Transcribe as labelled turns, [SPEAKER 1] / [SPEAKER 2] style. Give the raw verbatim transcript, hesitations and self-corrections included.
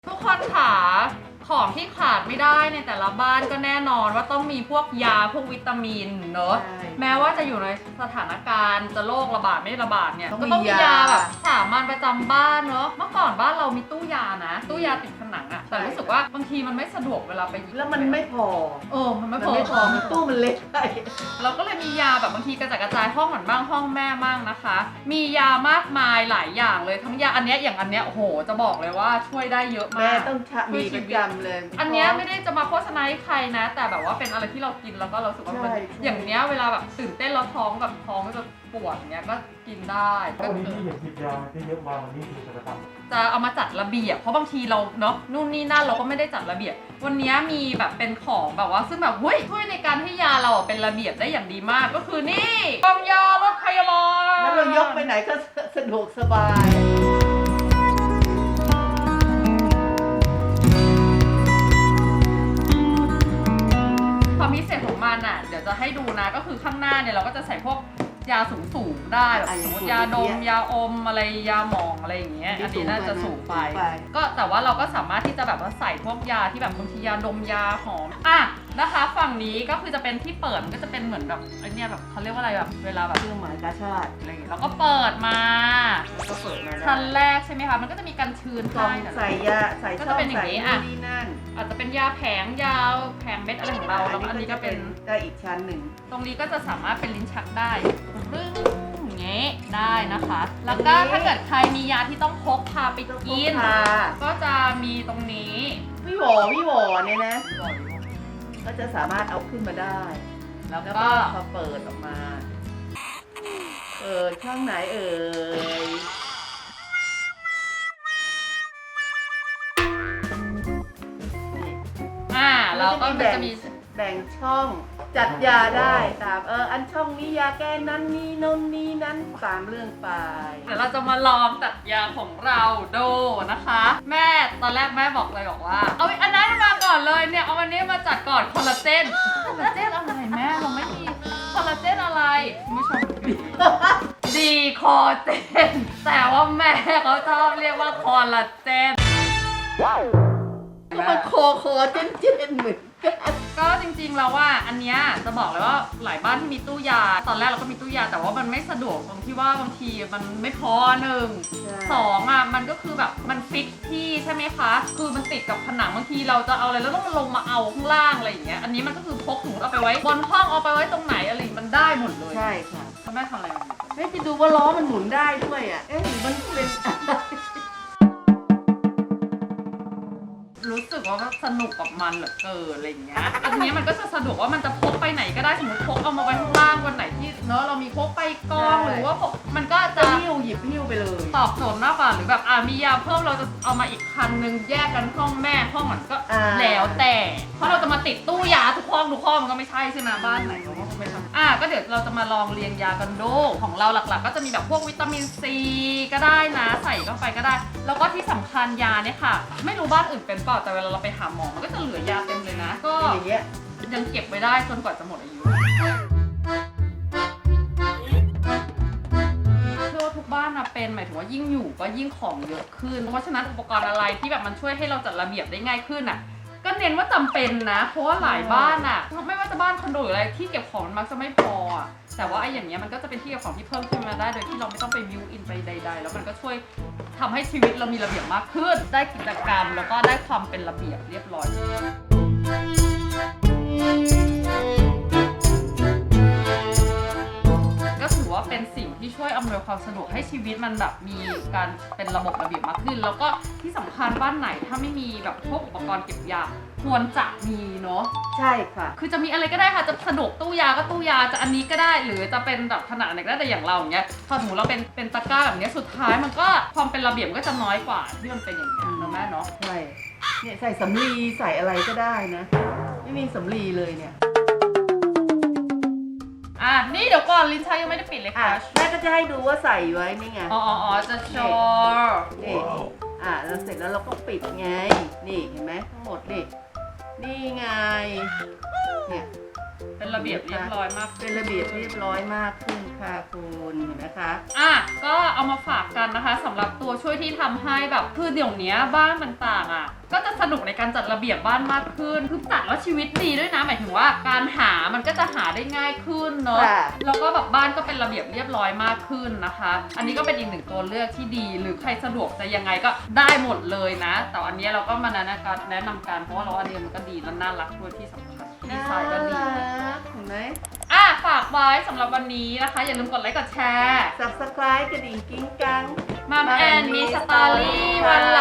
[SPEAKER 1] ทุกคนค่ะของที่ขาดไม่ได้ในแต่ละบ้านก็แน่นอนว่าต้องมีพวกยาพวกวิตามินเนอะแม้ว่าจะอยู่ในสถานการณ์จะโรคระบาดไม่ระบาดเนี่ยก็ต้องมียาแบบสามัญประจำบ้านเนอะเมื่อก่อนบ้านเรามีตู้ยานะตู้ยาติดผนังอะแต่รู้สึกว่าบางทีมันไม่สะดวกเวลาไปหยิบ
[SPEAKER 2] แล้วมันไม่พอ
[SPEAKER 1] เออมันไม่พอ
[SPEAKER 2] ไม่พอมันตู้มันเล็กไป
[SPEAKER 1] เราก็เลยมียาแบบบางทีกระจายกระจายห้องเหมือนบ้างห้องแม่บ้างนะคะ มียามากมายหลายอย่างเลยทั้งยาอันเนี้ยอย่างอันเนี้ยโอ้โหจะบอกเลยว่าช่วยได้เยอะมาก
[SPEAKER 2] แม่ต้องมีประจำเลย
[SPEAKER 1] อันเนี้ยไม่ได้จะมาโฆษณาให้ใครนะแต่แบบว่าเป็นอะไรที่เรากินแล้วก็เราสึกว่ามันอย่างเนี้ยเวลาแบบตื่นเต้นแล้วท้องแบบท้องจะปวดเนี้ยก็กินได้
[SPEAKER 3] ก็วันนี้ที่เห็นหยิบยาที่เยอะมาวันนี้คือจะทำ
[SPEAKER 1] จะเอามาจัดระเบียบเพราะบางทีเราเนาะนู่นนี่นั่นเราก็ไม่ได้จัดระเบียบวันนี้มีแบบเป็นของแบบว่าซึ่งแบบเฮ้ยช่วยในการให้ยาเราเป็นระเบียบได้อย่างดีมากก็คือนี่กล่องยารถพยาบาล
[SPEAKER 2] แล้วเรายกไปไหนก็สะดวกสบาย
[SPEAKER 1] ความพิเศษของมันอ่ะเดี๋ยวจะให้ดูนะก็คือข้างหน้าเนี่ยเราก็จะใส่พวกยาสูงสูงได้แบบสมมติยาดมยาอมอะไรยาหมองอะไรอย่างเงี้ยอันนี้น่าจะสูงไปก็แต่ว่าเราก็สามารถที่จะแบบว่าใส่พวกยาที่แบบบางทียาดมยาหอมอ่ะนะคะฝั่งนี้ก็คือจะเป็นที่เปิดมันก็จะเป็นเหมือนแบบไอเนี้ยแบบเขาเรียกว่าอะไรแบบเวลาแบบ
[SPEAKER 2] เครื่องหมายกาชาติ
[SPEAKER 1] อะไรอย่างเงี้ยแล้วก็เปิดมา
[SPEAKER 2] ก็เปิดมา
[SPEAKER 1] ชั้นแรกใช่ไหมคะมันก็จะมีกันชื้น
[SPEAKER 2] กล่องใส่ยาใส่ช่องใส่นี่นั่น
[SPEAKER 1] อาจจะเป็นยาแผงยาแผงเม็ดอะไรของเราแล้วอันนี้ก็เป็น
[SPEAKER 2] ได้อีกชั้นหนึ่ง
[SPEAKER 1] ตรงนี้ก็จะสามารถเป็นลิ้นชักได้รึ้งอย่างเงี้ยได้นะคะแล้วก็ถ้าเกิดใครมียาที่ต้องพกพาไปกินก็จะมีตรงนี้
[SPEAKER 2] วิวอวิวอเนี่ยนะก็จะสามารถเอาขึ้นมาได้แล้วก็พอเปิดออกมาเปิดช่องไหนเอ่ย
[SPEAKER 1] อ่าเราก็จะมี
[SPEAKER 2] แบ่งช่องจัดยาได้ตามเอออันช่องนี้ยาแก้นั้นนี่นนนี่นั้นตามเรื่องไป
[SPEAKER 1] เดี๋ยวเราจะมาลองจัดยาของเราดูนะคะแม่ตอนแรกแม่บอกเลยบอกว่าเอาอันนั้นมาก่อนเลยเนี่ยเอาอันนี้มาจัดก่อนคอลลาเจนคอลลาเจนอะไรแม่เราไม่มีคอลลาเจนอะไรคุณผู้ชมดีคอเจนแต่ว่าแม่เขาชอบเรียกว่าคอลลาเจน
[SPEAKER 2] ก็มันโคโคเจนเจนเหมือน
[SPEAKER 1] ก็จริงๆแล้วว่าอันเนี้ยจะบอกเลยว่าหลายบ้านที่มีตู้ยาตอนแรกเราก็มีตู้ยาแต่ว่ามันไม่สะดวกตรงที่ว่าบางทีมันไม่พอหนึ่งสองอ่ะมันก็คือแบบมันฟิกที่ใช่ไหมคะคือมันติดกับผนังบางทีเราจะเอาอะไรแล้วต้องมาลงมาเอาข้างล่างอะไรอย่างเงี้ยอันนี้มันก็คือพกถุงเอาไปไว้บนห้องเอาไปไว้ตรงไหนอะไรมันได้หมดเลย
[SPEAKER 2] ใช่ค่ะ
[SPEAKER 1] แม่ทำอะไร
[SPEAKER 2] เฮ้ยจะดูว่าล้อมันหมุนได้ด้วยอ่ะเอ๊ะหรือมันเป็น
[SPEAKER 1] รู้สึกว่าสนุกกับมันเหลือเกินอะไรอย่างเงี้ยอันนี้มันก็จะสะดวกว่ามันจะพกไปไหนก็ได้สมมติพกเอามาไว้ข้างล่างวันไหนที่เนอะเรามีพกไปกองหรือว่าพกมันก็จะ
[SPEAKER 2] หิ้วหยิบหิ้วไปเลย
[SPEAKER 1] ตอบโจทย์มากกว่าหรือแบบอ่ามียาเพิ่มเราจะเอามาอีกคันนึงแยกกันห้องแม่ห้องมันก็แล้วแต่เพราะเราจะมาติดตู้ยาทุกห้องทุกห้องมันก็ไม่ใช่ใช่ไหมบ้านไหนเราก็ไม่ทำอ่าก็เดี๋ยวเราจะมาลองเรียงยากันดูของเราหลักๆก็จะมีแบบพวกวิตามินซีก็ได้นะใส่เข้าไปก็ได้แล้วก็ที่สำคัญยาเนี่ยค่ะไม่รู้บ้านอื่นเป็นเปล่าแต่เวลาเราไปหาหมอมันก็จะเหลือยาเต็มเลยนะก็
[SPEAKER 2] อย่างเงี้ย
[SPEAKER 1] ยังเก็บไว้ได้จนกว่าจะหมดอายุเชื่อว่าทุกบ้านนะเป็นหมายถึงว่ายิ่งอยู่ก็ยิ่งของเยอะขึ้นเพราะฉะนั้นอุปกรณ์อะไรที่แบบมันช่วยให้เราจัดระเบียบได้ง่ายขึ้นอ่ะก็เน้นว่าจำเป็นนะเพราะว่าหลายบ้านอ่ะไม่ว่าจะบ้านคอนโดหรืออะไรที่เก็บของมันมักจะไม่พออ่ะแต่ว่าไอ้อย่างเงี้ยมันก็จะเป็นที่เก็บของที่เพิ่มขึ้นมาได้โดยที่เราไม่ต้องไปบิวอินไปใดๆแล้วมันก็ช่วยทำให้ชีวิตเรามีระเบียบมากขึ้นได้กิจกรรมแล้วก็ได้ความเป็นระเบียบเรียบร้อยก็ถือว่าเป็นสิ่งที่ช่วยอำนวยความสะดวกให้ชีวิตมันแบบมีการเป็นระบบระเบียบมากขึ้นแล้วก็ที่สำคัญบ้านไหนถ้าไม่มีแบบพวกอุปกรณ์เก็บยาควรจะมีเนาะ
[SPEAKER 2] ใช่ค่ะ
[SPEAKER 1] คือจะมีอะไรก็ได้ค่ะจะสะดวกตู้ยาก็ตู้ยาจะอันนี้ก็ได้หรือจะเป็นแบบขนาดไหนก็ได้แต่อย่างเราอย่างเงี้ยพอสมมติเราเป็นเป็นตะกร้าแบบนี้สุดท้ายมันก็ความเป็นระเบียบก็จะน้อยกว่าที่มันเป็นอย่างนี้นะแม่เนาะ
[SPEAKER 2] ใช่เนี่ยใส่สำลีใส่อะไรก็ได้นะไม่มีสำลีเลยเนี่ย
[SPEAKER 1] อ่ะนี่เดี๋ยวก่อนลิ้นชักยังไม่ได้ปิดเลยค่ะ
[SPEAKER 2] แม่ก็จะให้ดูว่าใส่ไว้นี่ไง
[SPEAKER 1] อ๋ออ๋อจะโชว์
[SPEAKER 2] นี่อ่ะแล้วเสร็จแล้วเราก็ปิดไงนี่เห็นไหมทั้งหมดนี่นี่ไงเนี่ย
[SPEAKER 1] เป็นระเบียบเรียบร้อยมาก
[SPEAKER 2] เป็นระเบียบเรียบร้อยมากขึ้นค่ะคุณเห็นไหมคะ
[SPEAKER 1] อ่ะก็เอามาฝากกันนะคะสำหรับตัวช่วยที่ทำให้แบบคือเดี๋ยวนี้บ้านต่างๆอ่ะก็จะสนุกในการจัดระเบียบบ้านมากขึ้นคือจัดแล้วชีวิตดีด้วยนะหมายถึงว่าการหามันก็จะหาได้ง่ายขึ้นเนาะ
[SPEAKER 2] ค่ะ
[SPEAKER 1] แล้วก็แบบบ้านก็เป็นระเบียบเรียบร้อยมากขึ้นนะคะ อันนี้ก็เป็นอีกหนึ่งตัวเลือกที่ดีหรือใครสะดวกจะยังไงก็ได้หมดเลยนะ แต่อันนี้เราก็มาแนะนำกันแนะนำกันเพราะว่าเราอันนี้มันก็ดีและน่ารักด้วยที่สำคัญดีไซน์ก็ดี
[SPEAKER 2] น่ารักเห็นไหม
[SPEAKER 1] อ่ะฝากไว้สำหรับวันนี้นะคะ อย่าลืมกดไลค์กดแชร์
[SPEAKER 2] Subscribe กระดิ่งกิ้งกัง
[SPEAKER 1] มัมแอนมีสตอรี่วันหลัง